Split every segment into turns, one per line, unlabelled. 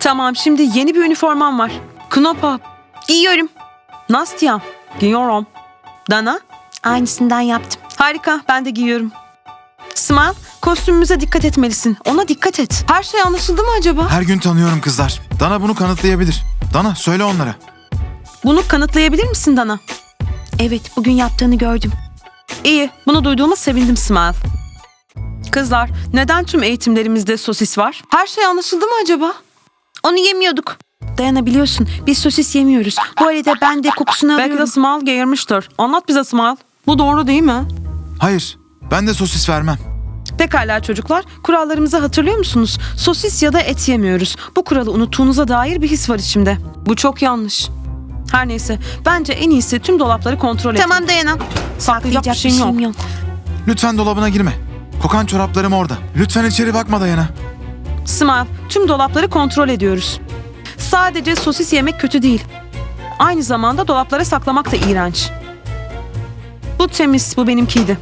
Tamam, şimdi yeni bir üniformam var. Knopa. Giyiyorum. Nastya. Giyiyorum. Dana. Aynısından yaptım. Harika, ben de giyiyorum. Smile, kostümümüze dikkat etmelisin. Ona dikkat et. Her şey anlaşıldı mı acaba?
Her gün tanıyorum kızlar. Dana bunu kanıtlayabilir. Dana söyle onlara.
Bunu kanıtlayabilir misin Dana? Evet, bugün yaptığını gördüm. İyi, bunu duyduğuma sevindim Smile. Kızlar, neden tüm eğitimlerimizde sosis var? Her şey anlaşıldı mı acaba? Onu yemiyorduk. Dayanabiliyorsun, biz sosis yemiyoruz. Bu arada ben de kokusunu alıyorum. Belki de Smile geğirmiştir. Anlat bize Smile. Bu doğru değil mi?
Hayır, ben de sosis vermem.
Pekala çocuklar, kurallarımızı hatırlıyor musunuz? Sosis ya da et yemiyoruz. Bu kuralı unuttuğunuza dair bir his var içimde. Bu çok yanlış. Her neyse, bence en iyisi tüm dolapları kontrol et. Tamam Dayana. Saklayacak bir şeyim yok.
Lütfen dolabına girme. Kokan çoraplarım orada. Lütfen içeri bakma Dayana.
Smile, tüm dolapları kontrol ediyoruz. Sadece sosis yemek kötü değil. Aynı zamanda dolaplara saklamak da iğrenç. Bu temiz, bu benimkiydi.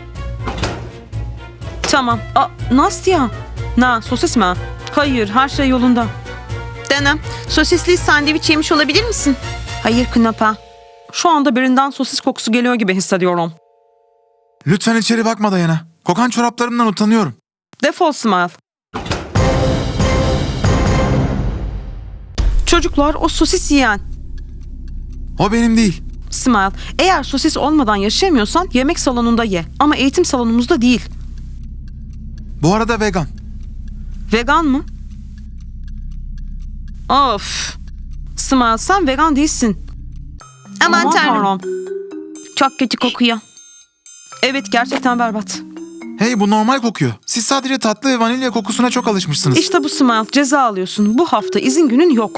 Tamam. Nastya. Sosis mi? Hayır, her şey yolunda. Dana, sosisli sandviç yemiş olabilir misin? Hayır Knapa. Şu anda birinden sosis kokusu geliyor gibi hissediyorum.
Lütfen içeri bakma Dayana. Kokan çoraplarımdan utanıyorum.
Defol Smile. Çocuklar, o sosis yiyen.
O benim değil.
Smile, eğer sosis olmadan yaşayamıyorsan yemek salonunda ye. Ama eğitim salonumuzda değil.
Bu arada vegan.
Vegan mı? Of. Smile, sen vegan değilsin. Aman tanrım. Çok kötü kokuyor. Evet, gerçekten berbat.
Hey, bu normal kokuyor. Siz sadece tatlı ve vanilya kokusuna çok alışmışsınız.
İşte bu Smile, ceza alıyorsun. Bu hafta izin günün yok.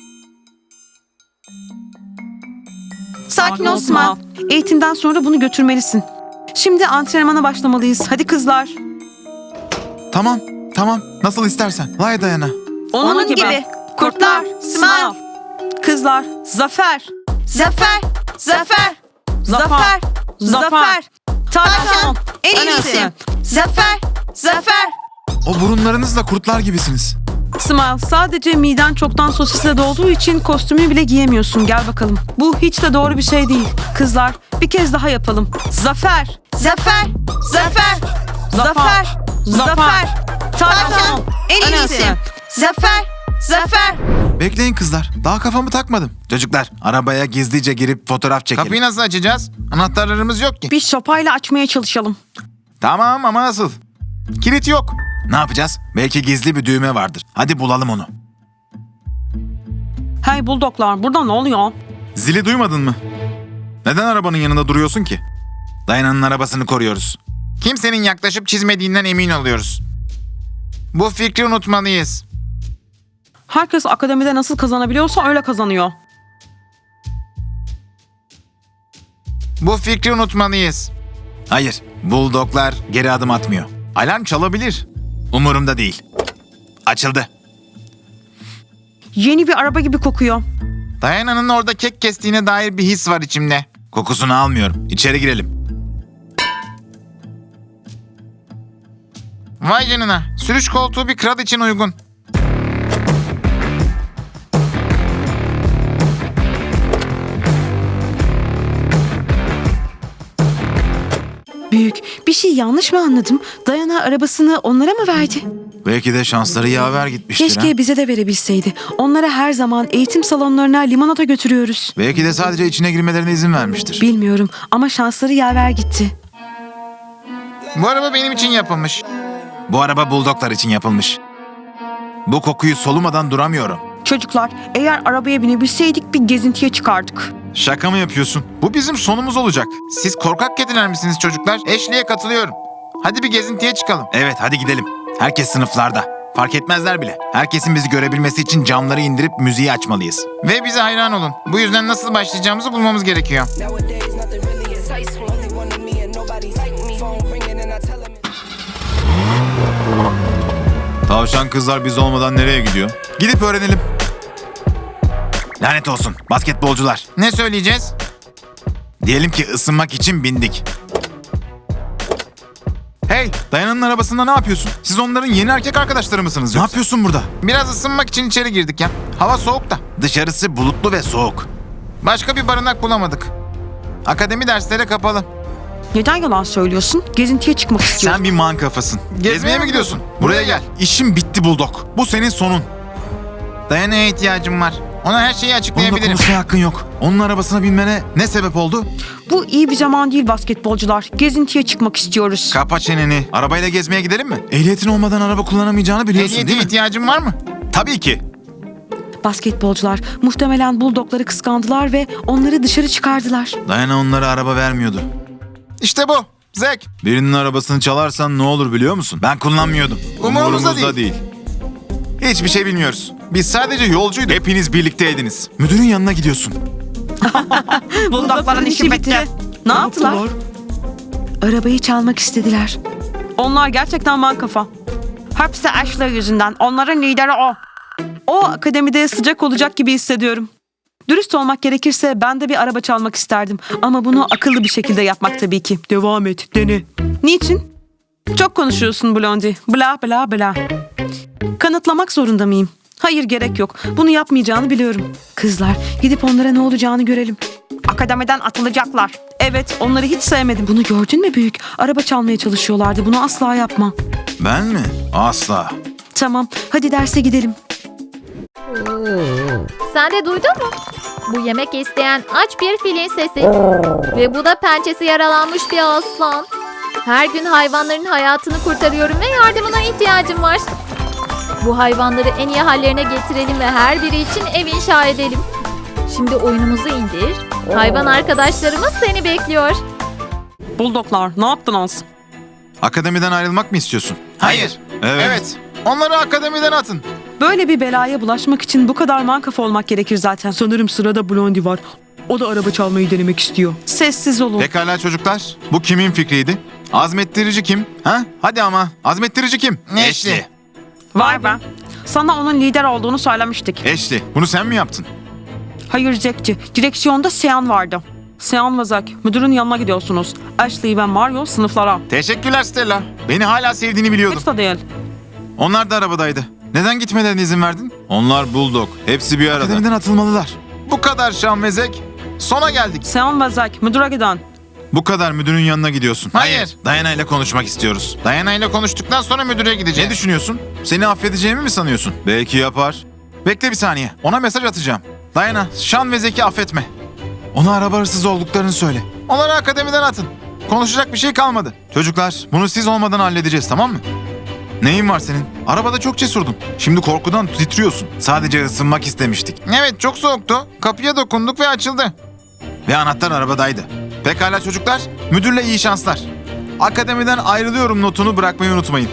Sakin ol Smile. Eğitimden sonra bunu götürmelisin. Şimdi antrenmana başlamalıyız. Hadi kızlar.
Tamam. Nasıl istersen. Lay Dayana.
Onun gibi. Kurtlar. Smile. Kızlar. Zafer. Zafer. Zafer. Zafer. Zafer. Tarkan. En iyisi. Zafer. Zafer.
O burunlarınızla kurtlar gibisiniz.
Smile, sadece miden çoktan sosisle dolduğu için kostümü bile giyemiyorsun. Gel bakalım. Bu hiç de doğru bir şey değil. Kızlar, bir kez daha yapalım. Zafer. Zafer. Zafer. Zafer. Zafer. Tarkan. En iyisi. Zafer. Zafer.
Bekleyin kızlar. Daha kafamı takmadım. Çocuklar, arabaya gizlice girip fotoğraf çekelim.
Kapıyı nasıl açacağız? Anahtarlarımız yok ki.
Bir sopayla açmaya çalışalım.
Tamam ama nasıl? Kilit yok. Ne yapacağız? Belki gizli bir düğme vardır. Hadi bulalım onu.
Hey buldoklar, burada ne oluyor?
Zili duymadın mı? Neden arabanın yanında duruyorsun ki? Dayana'nın arabasını koruyoruz.
Kimsenin yaklaşıp çizmediğinden emin oluyoruz. Bu fikri unutmalıyız.
Herkes akademide nasıl kazanabiliyorsa öyle kazanıyor.
Bu fikri unutmalıyız.
Hayır, buldoglar geri adım atmıyor. Alarm çalabilir. Umurumda değil. Açıldı.
Yeni bir araba gibi kokuyor.
Dayana'nın orada kek kestiğine dair bir his var içimde.
Kokusunu almıyorum. İçeri girelim.
Vay canına. Sürüş koltuğu bir kral için uygun.
Büyük, bir şey yanlış mı anladım? Dayana arabasını onlara mı verdi?
Belki de şansları yaver gitmiştir.
Keşke bize de verebilseydi. Onlara her zaman eğitim salonlarına limonata götürüyoruz.
Belki de sadece içine girmelerine izin vermiştir.
Bilmiyorum ama şansları yaver gitti.
Bu araba benim için yapılmış.
Bu araba buldoglar için yapılmış. Bu kokuyu solumadan duramıyorum.
Çocuklar, eğer arabaya binebilseydik bir gezintiye çıkardık.
Şaka mı yapıyorsun?
Bu bizim sonumuz olacak. Siz korkak kediler misiniz çocuklar? Ashley'e katılıyorum. Hadi bir gezintiye çıkalım.
Evet, hadi gidelim. Herkes sınıflarda. Fark etmezler bile. Herkesin bizi görebilmesi için camları indirip müziği açmalıyız.
Ve bize hayran olun. Bu yüzden nasıl başlayacağımızı bulmamız gerekiyor.
Nowadays, nothing really excites me. Only one of me and nobody's like me. Phone ringing and I tell him.
Tavşan kızlar biz olmadan nereye gidiyor? Gidip öğrenelim. Lanet olsun basketbolcular.
Ne söyleyeceğiz?
Diyelim ki ısınmak için bindik.
Hey, Dayana'nın arabasında ne yapıyorsun? Siz onların yeni erkek arkadaşları mısınız yoksa?
Ne yapıyorsun burada?
Biraz ısınmak için içeri girdik ya. Hava soğuk da.
Dışarısı bulutlu ve soğuk.
Başka bir barınak bulamadık. Akademi dersleri kapalı.
Neden yalan söylüyorsun? Gezintiye çıkmak istiyorum.
Sen bir man kafasın.
Gezmeye mi gidiyorsun?
Buraya gel. İşim bitti Bulldog. Bu senin sonun.
Dayana'ya ihtiyacım var. Ona her şeyi
Onunla
açıklayabilirim.
konuşmaya hakkın yok. Onun arabasına binmene ne sebep oldu?
Bu iyi bir zaman değil basketbolcular. Gezintiye çıkmak istiyoruz.
Kapa çeneni. Arabayla gezmeye gidelim mi? Ehliyetin olmadan araba kullanamayacağını biliyorsun
Ehliyete
değil mi?
ihtiyacın var mı?
Tabii ki.
Basketbolcular muhtemelen buldogları kıskandılar ve onları dışarı çıkardılar.
Dayana onlara araba vermiyordu.
İşte bu. Zek.
Birinin arabasını çalarsan ne olur biliyor musun? Ben kullanmıyordum.
Umurumuzda değil.
Hiçbir şey bilmiyoruz. Biz sadece yolcuyduk. Hepiniz birlikteydiniz. Müdürün yanına gidiyorsun.
Buldogların işi bitti. Ne yaptılar? Arabayı çalmak istediler. Onlar gerçekten man kafa. Hepsi Ashley yüzünden. Onların lideri o. O akademide sıcak olacak gibi hissediyorum. Dürüst olmak gerekirse ben de bir araba çalmak isterdim. Ama bunu akıllı bir şekilde yapmak tabii ki. Devam et, dene. Niçin? Çok konuşuyorsun Blondie. Bla bla bla. Kanıtlamak zorunda mıyım? Hayır, gerek yok. Bunu yapmayacağını biliyorum. Kızlar, gidip onlara ne olacağını görelim. Akademiden atılacaklar. Evet, onları hiç sevmedim. Bunu gördün mü büyük? Araba çalmaya çalışıyorlardı. Bunu asla yapma.
Ben mi? Asla.
Tamam, hadi derse gidelim.
Sen de duydun mu? Bu yemek isteyen aç bir filin sesi. Ve bu da pençesi yaralanmış bir aslan. Her gün hayvanların hayatını kurtarıyorum ve yardımına ihtiyacım var. Bu hayvanları en iyi hallerine getirelim ve her biri için ev inşa edelim. Şimdi oyunumuzu indir. Hayvan arkadaşlarımız seni bekliyor.
Buldoglar, ne yaptınız?
Akademiden ayrılmak mı istiyorsun?
Hayır. Evet. Onları akademiden atın.
Böyle bir belaya bulaşmak için bu kadar mankafa olmak gerekir zaten. Sanırım sırada Blondie var. O da araba çalmayı denemek istiyor. Sessiz olun.
Pekala çocuklar. Bu kimin fikriydi? Azmettirici kim? Ha? Hadi ama. Azmettirici kim?
Ashley.
Vay be. Sana onun lider olduğunu söylemiştik.
Ashley. Bunu sen mi yaptın?
Hayır Jack'ci. Direksiyonda Sean vardı. Sean ve Zack, müdürün yanına gidiyorsunuz. Ashley ve Mario sınıflara.
Teşekkürler Stella. Beni hala sevdiğini biliyordum.
Hiç de değil.
Onlar da arabadaydı. Neden gitmelerine izin verdin? Onlar Bulldog. Hepsi bir arada. Akademiden atılmalılar.
Bu kadar Şan ve Zek. Sona geldik.
Sean ve Zack, müdüre giden.
Bu kadar müdürün yanına gidiyorsun.
Hayır.
Dayana ile konuşmak istiyoruz.
Dayana ile konuştuktan sonra müdüre
Ne
gideceğiz.
düşünüyorsun? Seni affedeceğimi mi sanıyorsun? Belki yapar. Bekle bir saniye. Ona mesaj atacağım. Dayana, Şan ve Zek'i affetme. Ona araba hırsızı olduklarını söyle.
Onları akademiden atın. Konuşacak bir şey kalmadı.
Çocuklar, bunu siz olmadan halledeceğiz, tamam mı? Neyin var senin? Arabada çok cesurdun. Şimdi korkudan titriyorsun. Sadece ısınmak istemiştik.
Evet, çok soğuktu. Kapıya dokunduk ve açıldı.
Ve anahtar arabadaydı. Pekala çocuklar, müdürle iyi şanslar. Akademiden ayrılıyorum notunu bırakmayı unutmayın.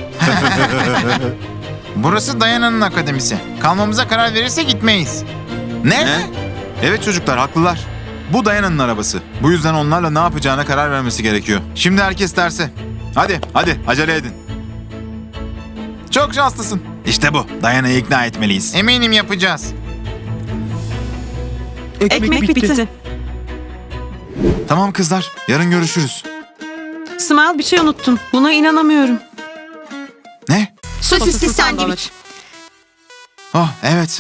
Burası Dayana'nın akademisi. Kalmamıza karar verirse gitmeyiz.
Ne? Evet çocuklar, haklılar. Bu Dayana'nın arabası. Bu yüzden onlarla ne yapacağına karar vermesi gerekiyor. Şimdi herkes derse. Hadi, acele edin.
Çok şanslısın.
İşte bu. Dayana'yı ikna etmeliyiz.
Eminim yapacağız.
Ekmek bitti.
Tamam kızlar, yarın görüşürüz.
Smile, bir şey unuttun. Buna inanamıyorum.
Ne?
Sosisli sandviç.
Oh, evet.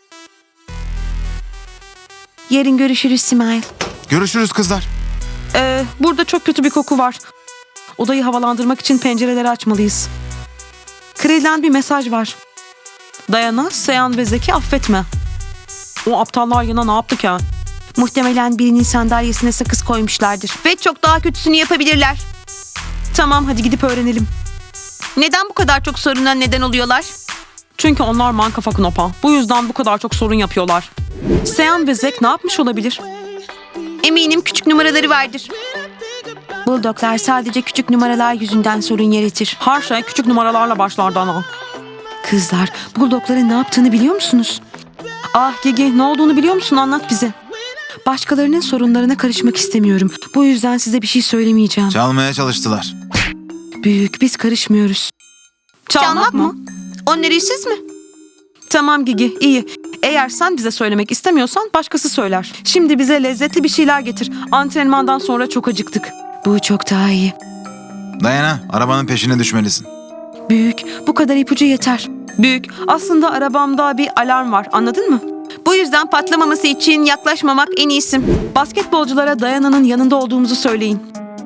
Yarın görüşürüz Smile.
Görüşürüz kızlar.
Burada çok kötü bir koku var. Odayı havalandırmak için pencereleri açmalıyız. Kredilen bir mesaj var. Dayana, Sean ve Zek'i affetme. O aptallar yana ne yaptı ki? Muhtemelen birinin sandalyesine sakız koymuşlardır. Ve çok daha kötüsünü yapabilirler. Tamam, hadi gidip öğrenelim. Neden bu kadar çok soruna neden oluyorlar? Çünkü onlar mankafa knopa. Bu yüzden bu kadar çok sorun yapıyorlar. Sean ve Zek ne yapmış olabilir? Eminim küçük numaraları vardır. Bulldoglar sadece küçük numaralar yüzünden sorun yaratır. Her şey küçük numaralarla başlar Dana. Kızlar, Bulldogların ne yaptığını biliyor musunuz? Ah Gigi, ne olduğunu biliyor musun? Anlat bize. Başkalarının sorunlarına karışmak istemiyorum. Bu yüzden size bir şey söylemeyeceğim.
Çalmaya çalıştılar.
Büyük, biz karışmıyoruz. Çalmak mı? Onları siz mi? Tamam Gigi, iyi. Eğer sen bize söylemek istemiyorsan başkası söyler. Şimdi bize lezzetli bir şeyler getir. Antrenmandan sonra çok acıktık. Bu çok daha iyi.
Dayana, arabanın peşine düşmelisin.
Büyük, bu kadar ipucu yeter. Büyük, aslında arabamda bir alarm var, anladın mı? Bu yüzden patlamaması için yaklaşmamak en iyisi. Basketbolculara Dayana'nın yanında olduğumuzu söyleyin.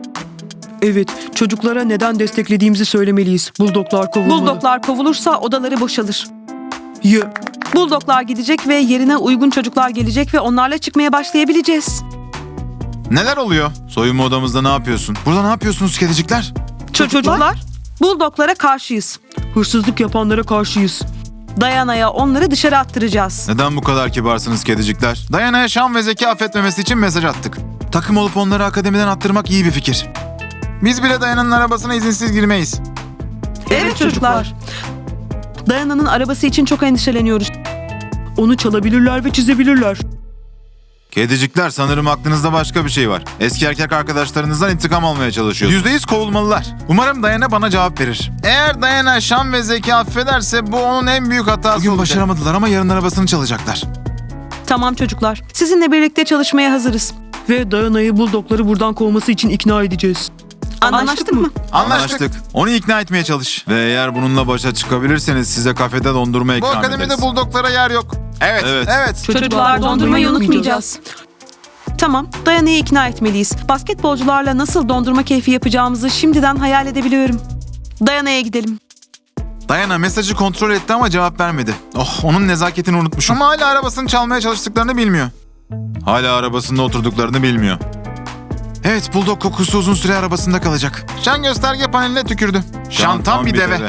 Evet, çocuklara neden desteklediğimizi söylemeliyiz. Buldoglar kovulmalı.
Buldoglar kovulursa odaları boşalır.
Ya,
Buldoglar gidecek ve yerine uygun çocuklar gelecek ve onlarla çıkmaya başlayabileceğiz.
Neler oluyor? Soyunma odamızda ne yapıyorsun? Burada ne yapıyorsunuz kedicikler?
Çocuklar, Buldoglara karşıyız.
hırsızlık yapanlara karşıyız.
Dayana'ya onları dışarı attıracağız.
Neden bu kadar kibarsınız kedicikler? Dayana'ya şan ve zeki affetmemesi için mesaj attık. Takım olup onları akademiden attırmak iyi bir fikir. Biz bile Dayana'nın arabasına izinsiz girmeyiz.
Evet çocuklar. Dayana'nın arabası için çok endişeleniyoruz.
Onu çalabilirler ve çizebilirler.
Kedicikler, sanırım aklınızda başka bir şey var. Eski erkek arkadaşlarınızdan intikam almaya çalışıyorsunuz. %100 kovulmalılar. Umarım Dayana bana cevap verir. Eğer Dayana şan ve zeki affederse bu onun en büyük hatası olacak. Bugün başaramadılar ama yarın arabasını çalacaklar.
Tamam çocuklar, sizinle birlikte çalışmaya hazırız.
Ve Dayana'yı Buldogları buradan kovması için ikna edeceğiz.
Anlaştık mı?
Anlaştık. Onu ikna etmeye çalış. Ve eğer bununla başa çıkabilirseniz size kafede dondurma
Bu
ikram
akademide
ederiz.
buldoklara yer yok. Evet.
Çocuklar, dondurmayı unutmayacağız. Tamam, Dayana'yı ikna etmeliyiz. Basketbolcularla nasıl dondurma keyfi yapacağımızı şimdiden hayal edebiliyorum. Dayana'ya gidelim.
Dayana mesajı kontrol etti ama cevap vermedi. Oh, onun nezaketini unutmuşum.
Ama hala arabasını çalmaya çalıştıklarını bilmiyor.
Hala arabasında oturduklarını bilmiyor. Evet, Bulldog kokusu uzun süre arabasında kalacak.
Şan gösterge paneline tükürdü. Şan tam bir deve.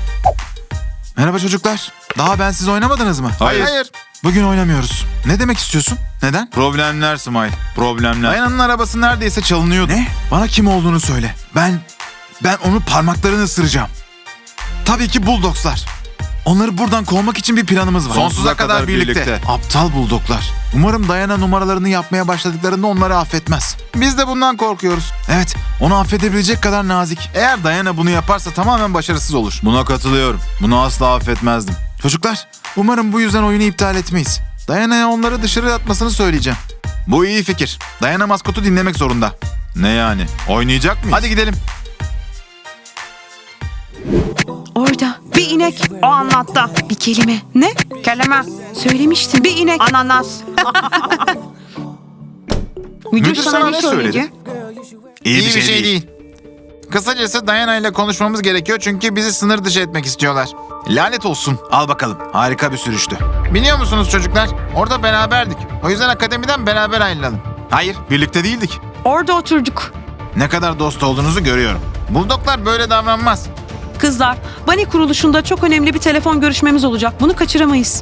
Merhaba çocuklar. Daha bensiz oynamadınız mı?
Hayır.
Bugün oynamıyoruz. Ne demek istiyorsun? Neden? Problemler Smile. Problemler. Dayana'nın arabası neredeyse çalınıyordu. Ne? Bana kim olduğunu söyle. Ben onun parmaklarını ısıracağım. Tabii ki Bulldogslar. Onları buradan kovmak için bir planımız var.
Sonsuza kadar birlikte.
Aptal Bulldoglar. Umarım Dayana numaralarını yapmaya başladıklarında onları affetmez.
Biz de bundan korkuyoruz.
Evet, onu affedebilecek kadar nazik. Eğer Dayana bunu yaparsa tamamen başarısız olur. Buna katılıyorum. Bunu asla affetmezdim. Çocuklar, umarım bu yüzden oyunu iptal etmeyiz. Dayana'ya onları dışarı atmasını söyleyeceğim. Bu iyi fikir. Dayana maskotu dinlemek zorunda. Ne yani? Oynayacak mıyız? Hadi gidelim.
Orada bir inek. O anlattı. Bir kelime. Ne? Kelime. Söylemiştim. Bir inek. Ananas.
Müdür sana ne söyledi?
İyi bir şey değil. Kısacası Dayana ile konuşmamız gerekiyor çünkü bizi sınır dışı etmek istiyorlar.
Lanet olsun. Al bakalım. Harika bir sürüştü.
Biliyor musunuz çocuklar? Orada beraberdik. O yüzden akademiden beraber ayrılalım.
Hayır, birlikte değildik.
Orada oturduk.
Ne kadar dost olduğunuzu görüyorum.
Buldoklar böyle davranmaz.
Kızlar, Bunny kuruluşunda çok önemli bir telefon görüşmemiz olacak. Bunu kaçıramayız.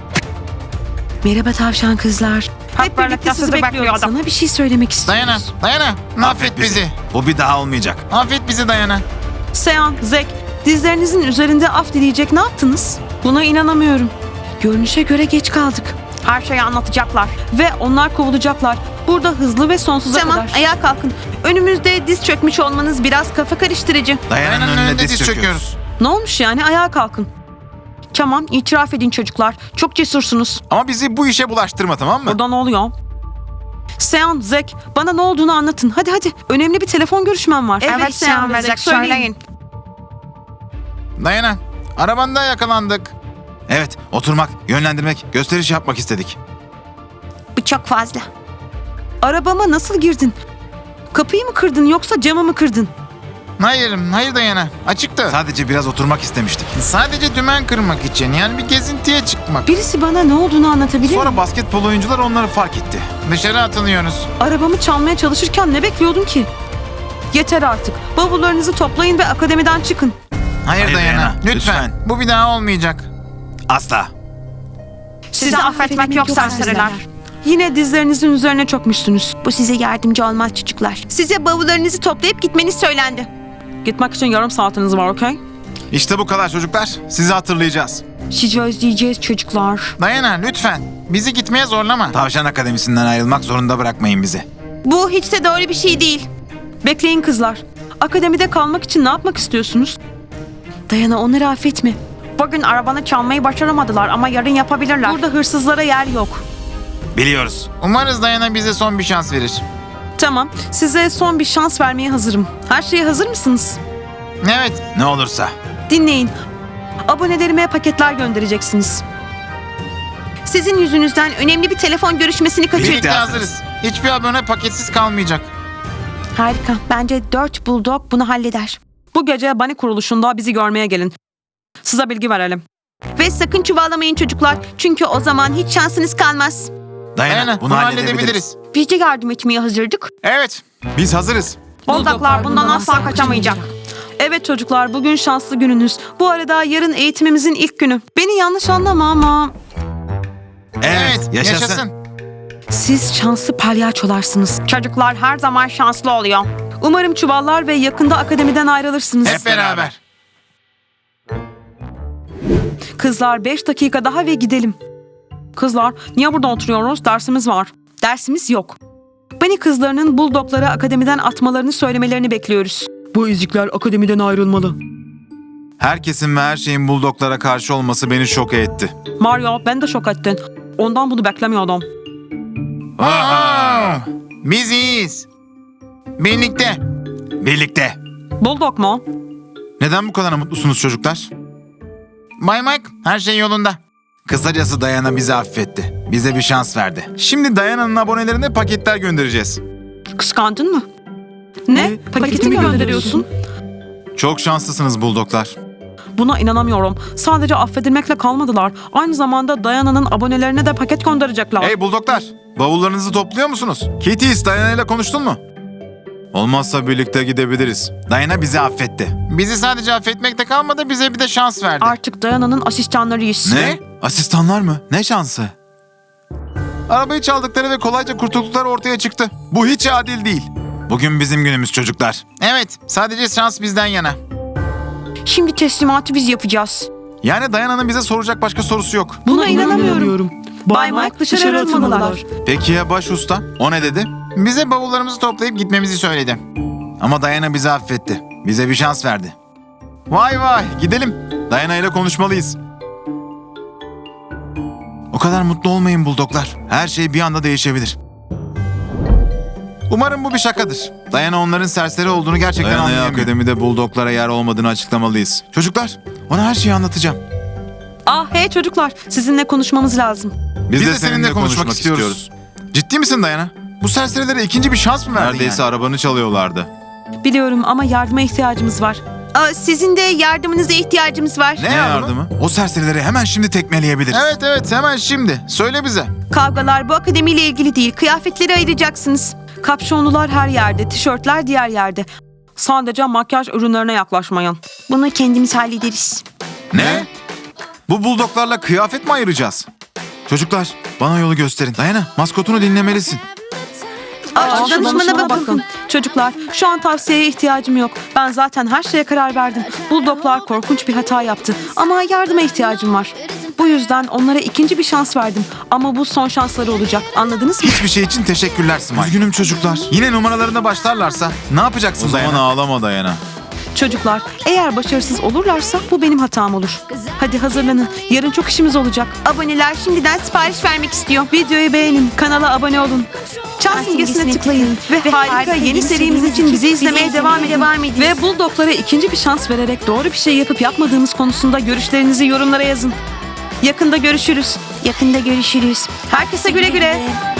Merhaba tavşan kızlar. Hep birlikte sizi bekliyorduk. Sana bir şey söylemek istiyoruz.
Dayana. Affet bizi.
Bu bir daha olmayacak.
Affet bizi Dayana.
Sean, Zek, dizlerinizin üzerinde af dileyecek ne yaptınız? Buna inanamıyorum. Görünüşe göre geç kaldık. Her şeyi anlatacaklar. Ve onlar kovulacaklar. Burada hızlı ve sonsuza kadar. Tamam, ayağa kalkın. Önümüzde diz çökmüş olmanız biraz kafa karıştırıcı.
Dayana'nın önünde diz çöküyoruz.
Ne olmuş yani? Ayağa kalkın. Tamam, itiraf edin çocuklar. Çok cesursunuz.
Ama bizi bu işe bulaştırma, tamam mı?
Burada ne oluyor? Sean, Zek, bana ne olduğunu anlatın. Hadi. Önemli bir telefon görüşmem var. Evet Sean ve Zek, söyleyin.
Dayana. Arabanda yakalandık.
Evet, oturmak, yönlendirmek, gösteriş yapmak istedik.
Bu çok fazla. Arabama nasıl girdin? Kapıyı mı kırdın yoksa camı mı kırdın?
Hayır Dayana. Açıktı.
Sadece biraz oturmak istemiştik.
Sadece dümen kırmak için, yani bir gezintiye çıkmak.
Birisi bana ne olduğunu anlatabilir mi?
Sonra basketbol oyuncular onları fark etti.
Dışarı atılıyoruz.
Arabamı çalmaya çalışırken ne bekliyordun ki? Yeter artık. Bavullarınızı toplayın ve akademiden çıkın.
Hayır Dayana.
Dayana,
Lütfen.
lütfen.
Bu bir daha olmayacak.
Asla.
Sizi affetmek yok serseriler. Yine dizlerinizin üzerine çökmüşsünüz. Bu size yardımcı olmaz çocuklar. Size bavullarınızı toplayıp gitmeniz söylendi. Gitmek için yarım saatiniz var, okey?
İşte bu kadar çocuklar. Sizi hatırlayacağız.
Sizi özleyeceğiz çocuklar.
Dayana lütfen. Bizi gitmeye zorlama.
Tavşan Akademisi'nden ayrılmak zorunda bırakmayın bizi.
Bu hiç de doğru bir şey değil. Bekleyin kızlar. Akademide kalmak için ne yapmak istiyorsunuz? Dayana, onları affetme. Bugün arabanı çalmayı başaramadılar ama yarın yapabilirler. Burada hırsızlara yer yok.
Biliyoruz.
Umarız Dayana bize son bir şans verir.
Tamam, size son bir şans vermeye hazırım. Her şeye hazır mısınız?
Evet.
Ne olursa.
Dinleyin. Abonelerime paketler göndereceksiniz. Sizin yüzünüzden önemli bir telefon görüşmesini kaçırdık.
Birlikte hazırız. Hiçbir abone paketsiz kalmayacak.
Harika. Bence 4 Bulldog bunu halleder. Bu gece Bunny kuruluşunda bizi görmeye gelin. Size bilgi verelim. Ve sakın çuvallamayın çocuklar. Çünkü o zaman hiç şansınız kalmaz.
Dayana, bunu halledebiliriz.
Biz de yardım etmeye hazırdık.
Evet.
Biz hazırız.
Buldoglar bundan asla kaçamayacak. Evet çocuklar, bugün şanslı gününüz. Bu arada yarın eğitimimizin ilk günü. Beni yanlış anlama ama
Evet, yaşasın.
siz şanslı palyaçolarsınız. Çocuklar her zaman şanslı oluyor. Umarım çuvallar ve yakında akademiden ayrılırsınız.
Hep beraber.
Kızlar 5 dakika daha ve gidelim. Kızlar niye burada oturuyoruz? Dersimiz var. Dersimiz yok. Bunny kızlarının Bulldoglara akademiden atmalarını söylemelerini bekliyoruz.
Bu ezikler akademiden ayrılmalı.
Herkesin ve her şeyin Bulldoglara karşı olması beni şok etti.
Mario, ben de şok ettin. Ondan bunu beklemiyordum.
Aa, biz iyiyiz. Birlikte.
Birlikte.
Bulldog mu?
Neden bu kadar mutlusunuz çocuklar?
Bay Mike, her şey yolunda.
Kısacası Dayana bizi affetti. Bize bir şans verdi. Şimdi Dayana'nın abonelerine paketler göndereceğiz.
Kıskandın mı? Ne? Paketi mi gönderiyorsun?
Çok şanslısınız Bulldoglar.
Buna inanamıyorum. Sadece affedilmekle kalmadılar. Aynı zamanda Dayana'nın abonelerine de paket gönderecekler.
Hey Bulldoglar, bavullarınızı topluyor musunuz? Kitty, Dayana ile konuştun mu? Olmazsa birlikte gidebiliriz. Dayana bizi affetti.
Bizi sadece affetmekte kalmadı, bize bir de şans verdi.
Artık Dayana'nın asistanlarıyız.
Ne? Asistanlar mı? Ne şansı? Arabayı çaldıkları ve kolayca kurtuldukları ortaya çıktı. Bu hiç adil değil. Bugün bizim günümüz çocuklar.
Evet, sadece şans bizden yana.
Şimdi teslimatı biz yapacağız.
Yani Dayana'nın bize soracak başka sorusu yok.
Buna inanamıyorum. Bay Mike dışarı atılmalılar.
Peki ya baş usta? O ne dedi?
Bize bavullarımızı toplayıp gitmemizi söyledi.
Ama Dayana bizi affetti. Bize bir şans verdi. Vay vay, gidelim. Dayana ile konuşmalıyız. O kadar mutlu olmayın Bulldoglar. Her şey bir anda değişebilir. Umarım bu bir şakadır. Dayana onların serseri olduğunu gerçekten anlayamıyor. Dayana'ya akademide Bulldoglara yer olmadığını açıklamalıyız. Çocuklar, ona her şeyi anlatacağım.
Hey çocuklar, sizinle konuşmamız lazım.
Biz de seninle konuşmak istiyoruz. Ciddi misin Dayana? Bu serserilere ikinci bir şans mı verdin? Neredeyse arabanı çalıyorlardı.
Biliyorum ama yardıma ihtiyacımız var. Sizin de yardımınıza ihtiyacımız var.
Ne yardımı? O serserileri hemen şimdi tekmeleyebiliriz.
Evet, hemen şimdi. Söyle bize.
Kavgalar bu akademiyle ilgili değil. Kıyafetleri ayıracaksınız. Kapşonlular her yerde, tişörtler diğer yerde. Sadece makyaj ürünlerine yaklaşmayın. Bunu kendimiz hallederiz.
Ne? Bu Bulldoglarla kıyafet mi ayıracağız? Çocuklar, bana yolu gösterin. Dayana, maskotunu dinlemelisin.
Danışmana bakın. Çocuklar, şu an tavsiyeye ihtiyacım yok. Ben zaten her şeye karar verdim. Bulldoglar korkunç bir hata yaptı. Ama yardıma ihtiyacım var. Bu yüzden onlara ikinci bir şans verdim. Ama bu son şansları olacak. Anladınız mı?
Hiçbir şey için teşekkürler Smile. Üzgünüm çocuklar. Yine numaralarına başlarlarsa ne yapacaksın Dayana? O zaman ağlama Dayana.
Çocuklar, eğer başarısız olurlarsa bu benim hatam olur. Hadi hazırlanın. Yarın çok işimiz olacak. Aboneler şimdiden sipariş vermek istiyor. Videoyu beğenin, kanala abone olun. Çan simgesine tıklayın ve harika yeni serimiz için bizi izlemeye devam edin. Ve Bulldoglara ikinci bir şans vererek doğru bir şey yapıp yapmadığımız konusunda görüşlerinizi yorumlara yazın. Yakında görüşürüz. Herkese güle güle.